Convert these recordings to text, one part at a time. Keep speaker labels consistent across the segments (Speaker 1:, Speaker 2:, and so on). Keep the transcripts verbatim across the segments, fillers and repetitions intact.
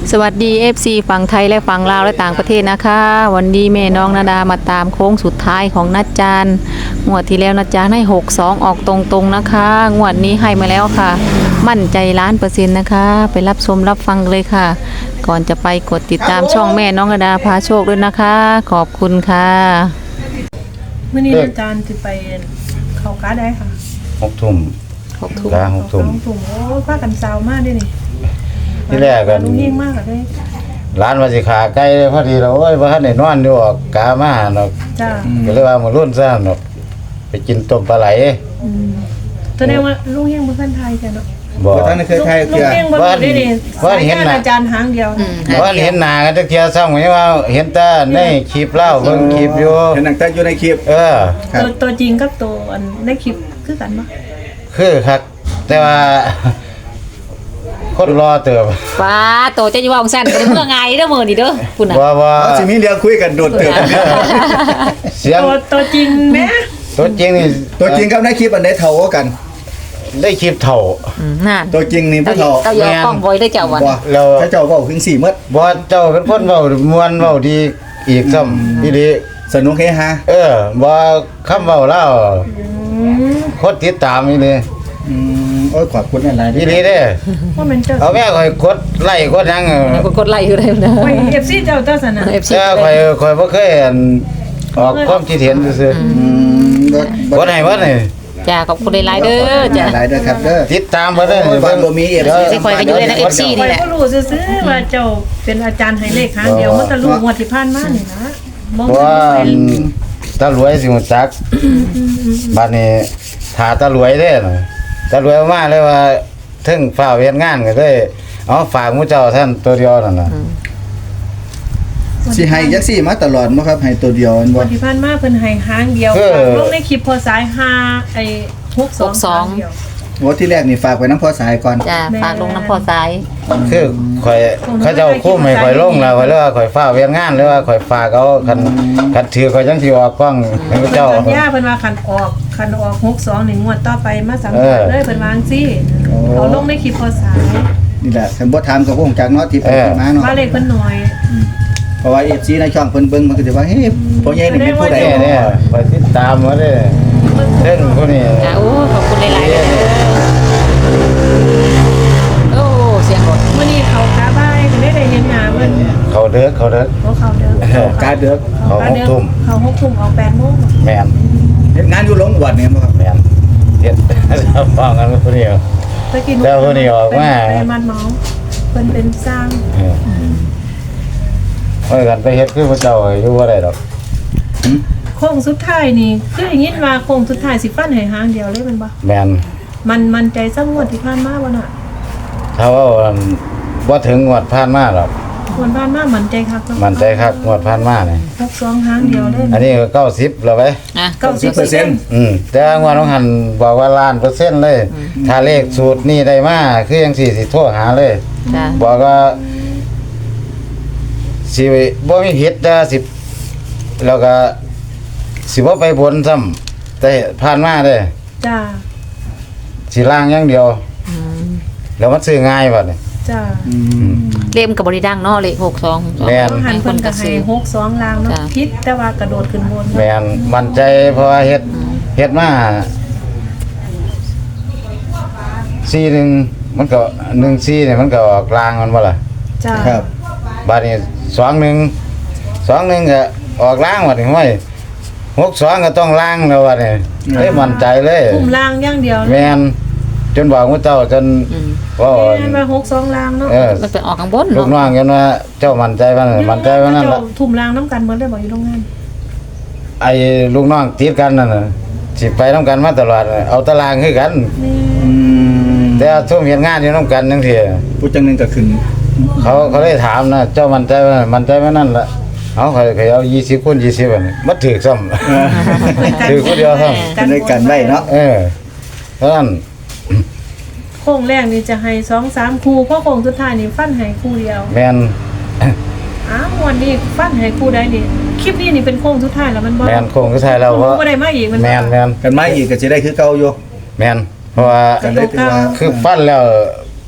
Speaker 1: สวัสดี เอฟ ซี ฝั่งไทยและฝั่งลาวและต่างประเทศนะคะวันนี้แม่น้องนาดามาตามโค้งสุดท้ายของนัดจานงวดที่แล้วนัดจานให้หกสองออกตรงๆนะคะงวดนี้ให้มาแล้วค่ะมั่นใจล้านเปอร์เซ็นต์นะคะไปรับชมรับฟังเลยค่ะ ก่อนจะไปกดติดตามช่องแม่น้องนาดาพาโชคด้วยนะคะขอบคุณค่ะ
Speaker 2: เมื่อนี้อาจารย์จะไปเข้าการได้ค่ะ
Speaker 3: หกทุ่ม
Speaker 1: หกทุ่ม
Speaker 3: หกทุ่ม
Speaker 2: หกทุ่มโอ้ป้ากันเซามากด้วยนี่
Speaker 3: ที่แรกกัน
Speaker 2: ลุงยิ่งมากเลย
Speaker 3: ร้านมาสิขาใกล้พอดีเราโอ้ยว่าท่านได้นอนอยู่ออกกามาเนาะ
Speaker 2: จ้า
Speaker 3: ก็เลยว่ามารุ่นซะเนาะไปกินต้มปลาไหล
Speaker 2: อืมแสดงว่าลุงยิ่งบ่ทันไทยจ้ะเนาะ
Speaker 3: บ่
Speaker 4: ท่านเคยไทยเทื่อ
Speaker 2: ว่าว่าเห็นอาจารย์หางเดียว
Speaker 3: ว่าเห็นหน้ากันจักเที่ยซ้ำก็ว่าเห็นแต่ในคลิปเล่าเบิ่งคลิปอยู่
Speaker 4: เห็นตั้งแต่อยู่ในคลิป
Speaker 3: เออ
Speaker 2: ตัวตัวจริงกับตัวอันในคลิปคือกันบ่
Speaker 3: คือครับแต่ว่าคนรอเติบ
Speaker 1: ว้าโตจะอยู่ว่าของสั้นเป็นเมื่อไงเด้อมื้อนี้เด้อพุ่นน่ะ
Speaker 3: ว่าว่า
Speaker 4: สิมีเรื่องคุยกันโดดเติบ
Speaker 3: เสียง
Speaker 2: ตัวตัวจริงแม่
Speaker 3: ตัวจริงนี่
Speaker 4: ตัวจริงกับในคลิปอันใดเท่ากัน
Speaker 3: ได้คลิปเท่า
Speaker 1: นั่น
Speaker 4: ตัวจริงนี่บ่เท่า
Speaker 1: เจ้าอย่ากล้องบ่ได้เจ้าวัน
Speaker 3: เรา
Speaker 4: เจ้าเว้าถึงสี่หมด
Speaker 3: บ่เจ้าเป็นคนเว้าม่วนเว้าดีอีกซ้ำอีหลี
Speaker 4: สนุกเฮฮา
Speaker 3: เออบ่คำเว้าเล่าคนติดตามอีหลี
Speaker 4: อืมโอ้ยขอบคุณหลายๆ
Speaker 3: อีหลีเด้
Speaker 2: ว่ามันเจ้า
Speaker 3: เอาแม่ข่อยกดไลค์กดหยัง
Speaker 1: กดไลค์อยู่ได้นะ
Speaker 2: โอ้ย เอฟ ซี เจ้าเจ้าซั่นน่ะ
Speaker 1: เอฟ ซี
Speaker 3: แต่ข่อยข่อยบ่เคยอันออกความคิดเห็นซื่อ
Speaker 4: อืม
Speaker 3: ๆบ่ได้บ่ได้
Speaker 1: จ้าขอบคุณหลายๆเด้อจ้า
Speaker 4: หลายเด้อครับเด้อ
Speaker 3: ติดตามบ่ได้
Speaker 4: เบิ่งบ่มี เอฟ ซี
Speaker 1: สิข่อยก็อยู่ใน เอฟ ซี นี่แหละ
Speaker 2: ข่อยบ่รู้ซื่อๆว่าเจ้าเป็นอาจารย์ให้เลขหางเดียวมันตะลุงวดที่ผ่านมานี่นะบ่
Speaker 3: ว่าตารวยสิฮู้จักบัดนี้ถ้าตารวยเด้น่ะตารวยมาเลยว่าถึงฟ้าเฮ็ดงานก็เลยเอาฝากหมู่เจ้าท่านตัวเดียวนั่นน่ะ
Speaker 4: สิให้จักซี่มาตลอดบ่ครับให้ตัวเดียวบ่
Speaker 2: วันที่ผ่านมาเพิ่นให้หางเดียวลงในคลิปพอสายห้าไอ้หกสองเดียว
Speaker 4: โอ้ที่แรกนี่ฝากไว้น้ำพ่อสายก่อน
Speaker 1: จ้าฝากลงน้ำพ่อสาย
Speaker 3: คือข่อยเขาเจ้าคุ้มให้ข่อยลงแล้วข่อยเลยว่าข่อยฟ้าเฮ็ดงานหรือว่าข่อยฝากเอาคันคันถือข่อยจังสิออกกล้องให้เจ้า
Speaker 2: สัญญาเพิ่นว่าคันออกคันออกหกสองนี่งวดต่อไปมาสัมภาษณ์เลยเพิ่นว่าจังซี่เอาลงในคลิปพอสาย
Speaker 4: นี่แหละคันบ่ถามก็คงจักเนาะที่เพิ่นมาเนาะ
Speaker 2: ว่าเลขเพิ่นน้อย
Speaker 4: เพราะว่า เอฟ ซี ในช่องเพิ่นเบิ่งมันก็สิว่าเฮ้ยพ่อใหญ่นี่เป็นผู้ใด
Speaker 3: เนี่ยไปติดตามมาเด้เพิ่นผู้นี้
Speaker 1: จ้าโอ้ขอบคุณหลายๆเด้อโอ้เสียงรถ
Speaker 2: มื้อนี้เขากาบ้ายได้ได้เห็นหน้าเพิ่น
Speaker 3: เขาเด้อเขาเด้อ
Speaker 2: เขาเด้อก
Speaker 4: าเด้อ
Speaker 3: เขาหกทุ่ม
Speaker 2: เขาหกทุ่มออกแปดโมง
Speaker 3: แม่น
Speaker 4: เฮ็ดงานอยู่โรงวัดนี่บ่ครับ
Speaker 3: แม่นเฮ็ดฟังกันผู้นี้แล้วผู้นี้ออกมา
Speaker 2: เป็นมัดเมาเพิ่นเป็นสร้าง
Speaker 3: เมื่อกันไปเฮ็ดคือพระเจ้าอยู่บ่ได้ดอก
Speaker 2: โค้งสุดท้ายนี่คืออย่างงี้ว่าโค้งสุดท้ายสิฟันให้หางเดียวเลยมันบ่
Speaker 3: แม่น
Speaker 2: มันมันใจซ้ำงวดที่ผ่านมาบ่น่ะ
Speaker 3: ถ้าว่าบ่ถึงงวดผ่านมาหรอก
Speaker 2: งวดผ่านมามันใจคักเนาะ
Speaker 3: มันใจคักงวดผ่านมานี่
Speaker 2: หกสองหางเดียวเลย
Speaker 3: อันนี้ก็เก้าสิบแล้วไป
Speaker 1: อ่ะ
Speaker 2: เก้าสิบเปอร์เซ็นต์
Speaker 3: อืมแต่งวดของหันบอกว่าล้านเปอร์เซ็นต์เลยถ้าเลขสูตรนี้ได้มาคือจังซี่สิโทรหาเลย
Speaker 1: จ้ะ
Speaker 3: บอกว่าสิบ่มีผิดแต่สิแล้วก็สิบ่ไปบนซ้ำแต่ผ่านมาเด้
Speaker 2: จ้า
Speaker 3: สิล่างอย่างเดียวอืมแล้วมันซื้อง่ายบัดนี่
Speaker 2: จ้า
Speaker 4: อืม
Speaker 1: เลขก็บ่ได้ดังเนาะเลขหกสอง
Speaker 3: แม่น
Speaker 2: หันเพิ่นก็ให้หกสองล่างเนาะผิดแต่ว่ากระโดดขึ้นบน
Speaker 3: แม่นมั่นใจเพราะว่าเฮ็ดเฮ็ดมาสี่หนึ่งมันก็หนึ่งสี่นี่มันก็ออกกลางมันบ่ล่ะ
Speaker 2: จ้า
Speaker 4: ครับ
Speaker 3: บัดนี้สองหนึ่ง สองหนึ่งก็ออกล่างบัดนี้ห้วยหกสองก็ต้องล่างแล้วบัดนี้เฮ้ยมั่นใจเลย
Speaker 2: คุมล่างอย่างเดียว
Speaker 3: แม่นจนบอกว่าเจ้าจนว่า
Speaker 2: แม่นว่าหกสองล่างเนาะ
Speaker 1: มันเป็นออกข้างบน
Speaker 3: ลูกน้องกันว่าเจ้ามั่นใจว่ามั่นใจว่านั่นล่ะ
Speaker 2: ทุ่มล่างนำกันเหมือนได้บอกอยู่โรงงาน
Speaker 3: ไอ้ลูกน้องติดกันนั่นน่ะสิไปนำกันมาตลอดเอาตารางคือกัน
Speaker 4: อืม
Speaker 3: แต่ซุ่มเฮ็ดงานอยู่นำกันจังซี่
Speaker 4: ผู้จังนึงก็ขึ้น
Speaker 3: เขาเขาได้ถามนะเจ้ามั่นใจว่ามั่นใจว่านั่นล่ะเอาเขาเขาเอายี่สิบคูณยี่สิบบัดนี้บ่ถูกซ้ำถูกผู้เดียวซ้ำ
Speaker 4: กันได้กันไว้เนาะ
Speaker 3: เออเพราะนั้น
Speaker 2: โค้งแรกนี่จะให้สองสามคู่เพราะโค้งสุดท้ายนี่ฟันให้คู่เดียว
Speaker 3: แม่น
Speaker 2: อ้าววันนี้ฟันให้คู่ใดนี่คลิปนี้นี่เป็นโค้งสุดท้ายแล้วมันบ่
Speaker 3: แม่นโค้งสุดท้ายแล้วเพราะ
Speaker 2: บ่ได้มาอีกมัน
Speaker 3: แม่นแม่น
Speaker 4: กันมาอีกก็สิได้คือเก่าอยู่
Speaker 3: แม่นเพราะว่า
Speaker 4: กันได้ถือว่า
Speaker 3: คือฟันแล้ว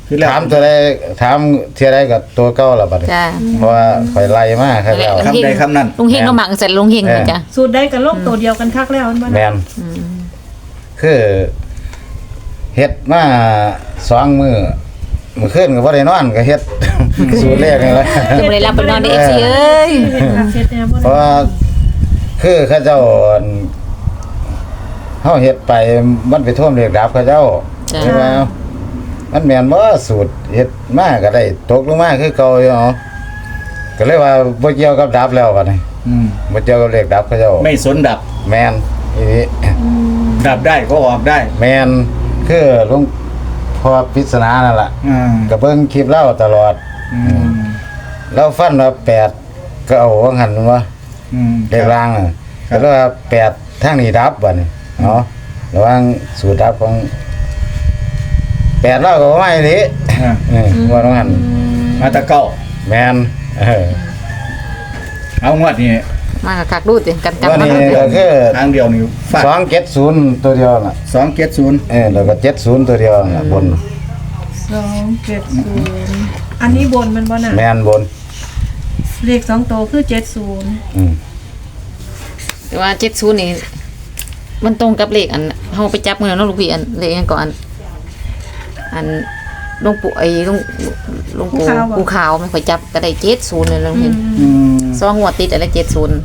Speaker 4: คือแล้ว
Speaker 3: ถามตัวใดถามเที่ยใดกับตัวเก่าล่ะบัดนี้
Speaker 1: จ้า
Speaker 3: เพราะว่าข่อยไล่มาครับแล้ว
Speaker 4: คำใดคำนั้น
Speaker 1: ลุงเฮงก็หมักเสร็จลุงเฮงนะจ้ะ
Speaker 2: สูตรได้กับโลกตัวเดียวกันคักแล้วมันบ่
Speaker 3: แม่
Speaker 2: นะ
Speaker 3: นคือเฮ็ดมาสองมื้อมื้อคืนก็บ่ได้นอนก็เฮ็ด สูตรแรกนี่แหละ
Speaker 1: ยังบ่ได้รับไปนอนใน เอฟ ซี เอ้ย
Speaker 2: เฮ็ดคักเฮ็ดแนวบ่
Speaker 3: เพราะ
Speaker 2: ได้
Speaker 3: ว่าคือเขาเจ้าอั่นเฮาเฮ็ดไปมันไปท่วมเรียกดับเขาเจ้าใช่ไหมมันแม่นบ่สูตรเฮ็ดมาก็ได้ตกลงมาคือเก่าอยู่เนาะก็เลยว่าบ่เกี่ยวกับดับแล้วบัดนี้
Speaker 4: อืม
Speaker 3: บ่เกี่ยวกับเรียกดับเขาเจ้า
Speaker 4: ไม่สนดับ
Speaker 3: แม่นอีนี้
Speaker 4: ดับได้ก็ออกได้
Speaker 3: แม่นคือหลวงพ่อปริศนานั่นล่ะ
Speaker 4: อืม
Speaker 3: ก็เบิ่งคลิปเล่าตลอด
Speaker 4: อืม
Speaker 3: เราฟันว่าแปดก็เอาว่าหันว่า
Speaker 4: อืม
Speaker 3: เลขล่างน่ะ
Speaker 4: ครั
Speaker 3: ก็
Speaker 4: บ
Speaker 3: เลยว่าแปดทางนี้ดับบัดนี้เนาะระหว่างสูตรดับของแปดเราก็บ่มาอีหลี
Speaker 4: อ่า
Speaker 3: เออว่าต้องหัน
Speaker 4: มาตะเก้า
Speaker 3: แม่นเออ
Speaker 4: เอางวดนี้
Speaker 1: มากับคักดูติกันจัง
Speaker 3: ว่า
Speaker 1: มา
Speaker 3: นี่ก็คือ
Speaker 4: ทางเดียวนี่ฟาด
Speaker 3: สองเจ็ดศูนย์ตัวเดียวน่ะ
Speaker 4: สองเจ็ดศูนย์
Speaker 3: เออแล้วก็เจ็ดศูนย์ตัวเดียวน่ะบน
Speaker 2: สองเจ็ดศูนย์อันนี้บนมันบ่น่ะ
Speaker 3: แม่นบน
Speaker 2: เลขสองตัวคือเจ็ดศูนย์
Speaker 3: อืม
Speaker 1: แต่ว่าเจ็ดศูนย์นี่มันตรงกับเลขอันเฮาไปจับมื้อนั้นเนาะลูกพี่อันเลขอันก่อนอันหลวงปู่ไอ้หลวงหลวงปู่ปู่ขาวมันค่อยจับก็ได้เจ็ดศูนย์เลยลุงเฮง
Speaker 4: อืม
Speaker 1: สองงวดติดอะไรเจ็ดศูนย์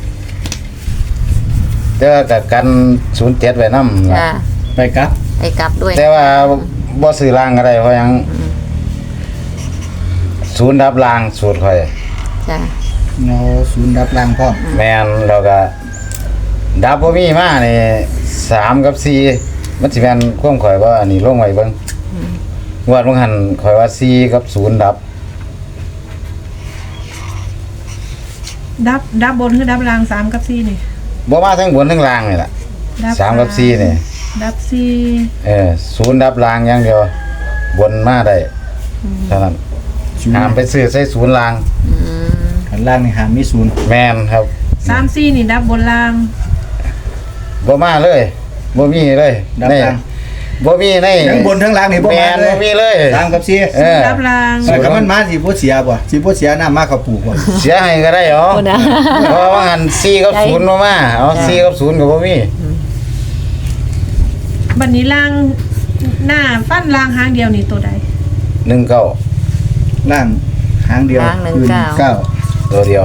Speaker 3: แต่ว่าก็กันศูนย์เจ็ดไว้นำ
Speaker 1: จ้า
Speaker 4: ไปครับ
Speaker 1: ไปกลับด้วย
Speaker 3: แต่ว่าบ่ซื้อล่างก็ได้เพราะหยังศูนย์ดับล่างสูตรข่อย
Speaker 1: จ้า
Speaker 4: เนาศูนย์ดับล่างพร้อม
Speaker 3: แม่นแล้วก็ดับบ่มีมานี่สามกับสี่มันสิแม่นความข่อยว่าอันนี้ลงไว้เบิ่งงวดบ่หันข่อยว่าสี่กับศูนย์ดับ
Speaker 2: ดับดับบนคือดับล่างสามกับสี่นี่
Speaker 3: บ่มาทั้งบนทั้งล่างนี่ล่ะ
Speaker 2: ดับ
Speaker 3: สามกับสี่นี่
Speaker 2: ดับสี่
Speaker 3: เออศูนย์ดับล่างอย่างเดียวบนมาได้เท่านั้น
Speaker 4: ศูนย์
Speaker 3: ห้ามไปซื้อใส่ศูนย์ล่าง
Speaker 4: ขันล่างนี่หามมีศูนย์
Speaker 3: แม่นครับ
Speaker 2: สามสี่นี่ดับบนล่าง
Speaker 3: บ่มาเลยบ่มีเลย
Speaker 4: ดับ
Speaker 3: ใน
Speaker 4: ล่าง
Speaker 3: บ่มีใน
Speaker 4: ทั้งบนทั้งล่างนี่บ่
Speaker 3: แม่
Speaker 4: มาน เล
Speaker 3: บ่
Speaker 4: ย
Speaker 3: มีเลย
Speaker 4: สามกับสี่
Speaker 3: เออ
Speaker 2: ดับล่าง
Speaker 4: แต่ก็มันมาสิบ่เสียบ่สิบ่เสียน้ำมากับปลูกบ่
Speaker 3: เสียให้ก็ได้เหรอ
Speaker 1: คนนะ
Speaker 3: เพราะว่าหันสี่กับ
Speaker 1: ได้
Speaker 3: ศูนย์บ่มาเอาสี่กับศูนย์ก็บ่มี
Speaker 2: บัดนี้ล่างหน้าฟันล่างหางเดียวนี่ตัวใด
Speaker 3: หนึ่งเก้า
Speaker 4: ล่างหางเดียว
Speaker 1: หางหนึ่ง
Speaker 4: คือ
Speaker 1: เก้า
Speaker 4: เก้า
Speaker 3: ตัวเดียว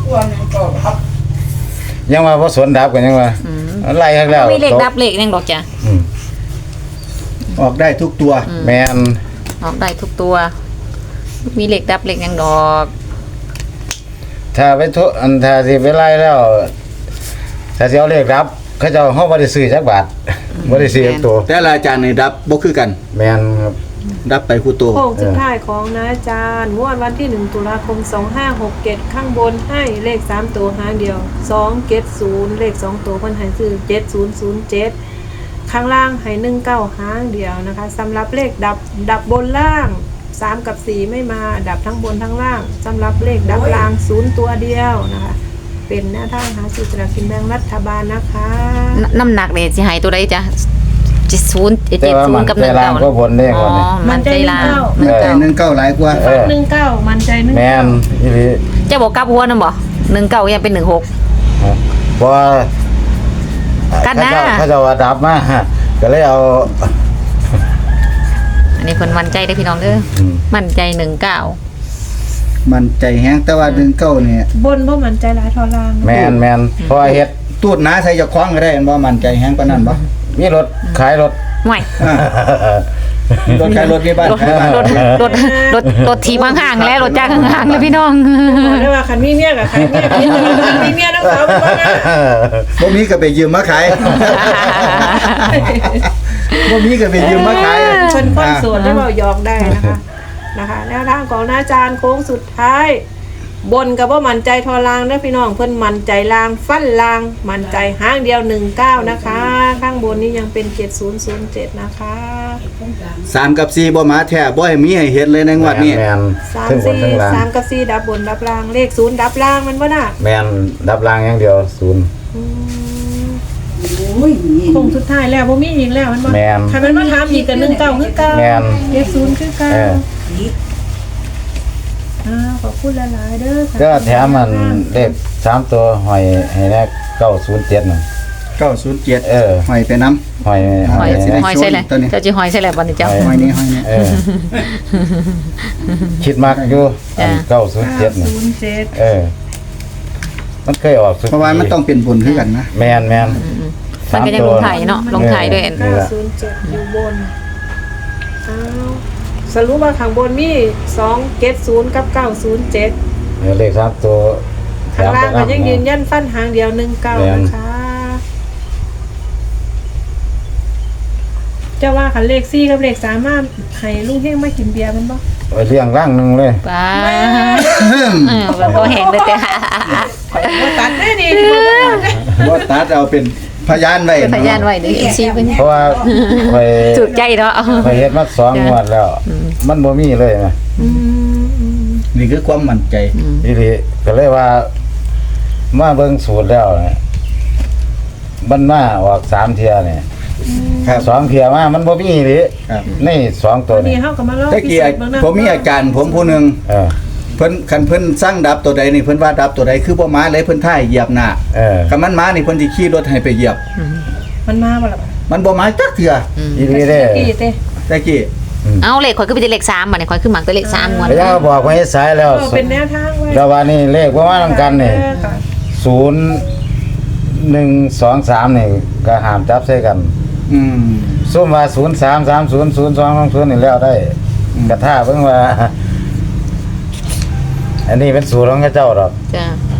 Speaker 3: ยังว่าบ่สวนดับกันยังว่าไล่ข้างแล้ว
Speaker 1: มีเลขดับเลขยังดอกจ้ะ
Speaker 3: อืม
Speaker 4: ออกได้ทุกตัว
Speaker 3: แม่น
Speaker 1: ออกได้ทุกตัว มีเลขดับเลขยังดอก
Speaker 3: ถ้าไปทุอันถ้าสิไปไล่แล้ว ถ้าสิเอาเลขดับ เขาเจ้าเฮาบ่ได้ซื้อจักบาทบ่ได้ซื้อจักตัว
Speaker 4: แต่ละอาจารย์นี่ดับบ่คือกัน
Speaker 3: แม่นครับ
Speaker 4: ดับไปคู่ตัว
Speaker 2: โค้งสุดท้ายของนะอาจารย์งวดวันที่หนึ่งตุลาคมสองห้าหกเจ็ดข้างบนให้เลขสามตัวหางเดียวสองเจ็ดศูนย์เลขสองตัวเพิ่นให้ซื้อเจ็ดศูนย์ศูนย์เจ็ดข้างล่างให้หนึ่งเก้าหางเดียวนะคะสำหรับเลขดับดับบนล่างสามกับสี่ไม่มาดับทั้งบนทั้งล่างสำหรับเลขดับล่างศูนย์ตัวเดียวนะคะ เป็นแนวทางหาซื้อสลากกินแบ่งรัฐบาลนะคะ
Speaker 1: นน้ำหนักเนี่ยสิหายตัวใดจ้ะเจ็ดศูนย์เจ็ด
Speaker 3: แต่ว่า
Speaker 1: ศู
Speaker 3: มัน น
Speaker 1: ย์กับห
Speaker 3: แต่
Speaker 1: นึ่ง
Speaker 3: ล่า
Speaker 1: เก้าง
Speaker 3: ก็บนเลข
Speaker 1: อ๋อ
Speaker 3: ว่านี่
Speaker 1: มันใจลาง
Speaker 2: มันใจ
Speaker 4: แต่หนึ่งเก้าหลายกว่า
Speaker 3: เออ
Speaker 2: หนึ่งเก้ามันใจหนึ่ง
Speaker 3: แม่นอีหลี
Speaker 1: จะบอกกลับหัวนะบ่หนึ่งเก้ายังเป็นหนึ่งหก
Speaker 3: เพราะว่า
Speaker 1: กันหน้า
Speaker 3: เขาเจ้าเขาเจ้าว่าดับมาก็เลยเอา
Speaker 1: อันนี้คนมั่นใจได้อพี่น้องเด้ออ
Speaker 3: ม
Speaker 1: มั่นใจหนึ่งเก้า
Speaker 4: มันใจแห้งแต่ว่าหนึ่งเก้าเนี่ย
Speaker 2: บนบ่มันใจหลายทอล่าง
Speaker 3: แม่นแม่นเพราะว่าเฮ็ด
Speaker 4: ตูดหนาใส่จะคล้องก็ได้บ่มันใจแห้งปานนั้นบ่
Speaker 3: มีรถขายรถ
Speaker 1: ห่วย
Speaker 4: อ่ารถใครรถที่บ้าน
Speaker 1: รถ
Speaker 4: ใครบ้าน
Speaker 1: รถรถรถรถทีบห่างๆแล้วรถจ้างห่างๆแล้วพี่น้อง
Speaker 2: บอกได้ว่าคันมีเมียกับใครเมียกินมีเมียน้องสาวบ้างนะ
Speaker 4: บ่มีก็ไปยืมมาขายบ่มีก็ไปยืมมาขาย
Speaker 2: ชนคนโสดได้เบาหยอกได้นะคะนะคะแนวทางของอาจารย์โค้งสุดท้าย บนกับว่ามันใจทอลางนะพี่น้องเพิ่นมันใจลางฟันลางมันใจห้างเดียวหนึ่งเก้านะคะ ข้างบนนี้ยังเป็นเจ็ดศูนย์ศูนย์เจ็ดนะคะ
Speaker 4: สามกับสี่บ่มาแท้บ่ให้มีให้เห็นเลยในงวดนี้
Speaker 3: แม่น
Speaker 2: สาม
Speaker 3: ถึงบน
Speaker 2: สี่
Speaker 3: ถึงล่าง
Speaker 2: สามกับสี่ดับบนดับล่างเลขศูนย์ดับล่างมันว่าน่ะ
Speaker 3: แม่นดับล่างอย่างเดียวศูนย์
Speaker 2: อืม
Speaker 5: โอ้ยนี่
Speaker 2: คงสุดท้ายแล้วบ่มีอีกแล้วมันบ่
Speaker 3: แม่น
Speaker 2: ใครมันมาถามอีกกันหนึ่งเก้าคือเก้า
Speaker 3: แม่น
Speaker 2: เจ็ดศูนย์คือเก้า
Speaker 3: เออ
Speaker 2: อ้าวขอบคุณหลายๆเด้อค่ะ
Speaker 3: ก็แถมมันเลขสามตัวหอยให้แรกเก้าศูนย์เจ็ดน่ะ
Speaker 4: เก้าศูนย์เจ็ด
Speaker 3: เออ
Speaker 4: หอยไปน้ำ
Speaker 3: หอย
Speaker 1: หอย
Speaker 3: ให้
Speaker 4: สิ
Speaker 3: แรก
Speaker 1: หอยใส่เลย
Speaker 4: ตัวนี้
Speaker 1: เจ้าจีหอยใส่เลยวันนี้เจ้า
Speaker 4: หอยนี้หอยนี้
Speaker 3: เออ คิดมากอยู่
Speaker 1: จ้ะ
Speaker 3: เก้าศูนย์เจ็ดน่ะ
Speaker 2: ศูนย์เจ็ด
Speaker 3: เออ มันเคยออกสุด
Speaker 4: เพราะว่ามันต้องเป็นบุญคือกันนะ
Speaker 3: แมนแมน
Speaker 1: มันก็ยังลงถ่ายเนาะลงถ่ายด้วย
Speaker 3: นี่
Speaker 2: เก้า
Speaker 3: ล่ะ
Speaker 2: ศูนย์เจ็ดอยู่บนอ้าวสรุปว่าข้างบนมีสองเจ็ดศูนย์กับเก้าศูนย์เจ็ด
Speaker 3: เดี๋ยวเลขสามตัว
Speaker 2: ข้างล่างก็ยังยืน
Speaker 3: ยัน
Speaker 2: ยันฟันหางเดียวหนึ่งเก้า
Speaker 3: แม่น
Speaker 2: นะคะจะว่าคันเลขสี่กับเลขสามารถให้ลุงเฮงมากินเบียร์มันบ่
Speaker 3: ไปเลี้ยงร่างหนึ่งเลย
Speaker 1: ป้าเออแบบพอแห้งเลยแต่
Speaker 2: ว่าตัดได้นี่
Speaker 4: บ่ตัดเอาเป็นพยานไว้
Speaker 1: เป็นพยานไว้เดี๋ยวเอ็นซีเป็น
Speaker 3: เพราะว่าไป
Speaker 1: จุดใจเนาะ
Speaker 3: ไปเฮ็ดมาสองงวดแล้ว มันบ่มีเลยนะ
Speaker 4: นี่คือความมั่นใจ
Speaker 3: อีหลีก็เลยว่า มาเบิ่งสูตรแล้วเนี่ยมันมาออกสามเที่ยเนี่ย
Speaker 4: ครับ
Speaker 3: สองเที่ยมามันบ่มีอีหลี
Speaker 4: ครับ
Speaker 3: ในสองตัว
Speaker 2: นี่
Speaker 3: นี่
Speaker 2: เฮาก็มาเล่า
Speaker 4: ตะกี้ผมมีอาจารย์ผมผู้หนึง
Speaker 3: เออ
Speaker 4: เพิ่นคันเพิ่นสร้างดับตัวใดนี่เพิ่นว่าดับตัวใดคือบ่มาเลยเพิ่นท่ายเหยียบหน้า
Speaker 3: เออ
Speaker 4: คันมันมานี่เพิ่นสิขี่รถให้ไปเหยียบ
Speaker 2: มันมาบ่ล่ะ
Speaker 4: มันบ่มาจักเทื่อ
Speaker 3: อีหลีเด้
Speaker 2: กี่เต้
Speaker 4: ตะกี้
Speaker 1: เอาเลขข่อยคือเป็นเลขสามบัดนี้ข่อยคือหมักตัวเลขสามงวด
Speaker 3: แล้วบอกไว้สายแล้ว
Speaker 2: เออเป็นแนวทางไว้
Speaker 3: แล้ววันนี้เลขว่ามานํกันนี่
Speaker 2: เออค่ะ
Speaker 3: ศูนย์หนึ่งสองสามนี่ก็ห้ามจับใส่กัน
Speaker 4: อืม
Speaker 3: ซุ่มว่าศูนย์สามสามศูนย์ศูนย์สองสองศูนย์นี่แล้วได้
Speaker 4: อืม
Speaker 3: กระท่าเพิ่งว่า อันนี้เป็นสูตรของเจ้าดอก
Speaker 1: จ้า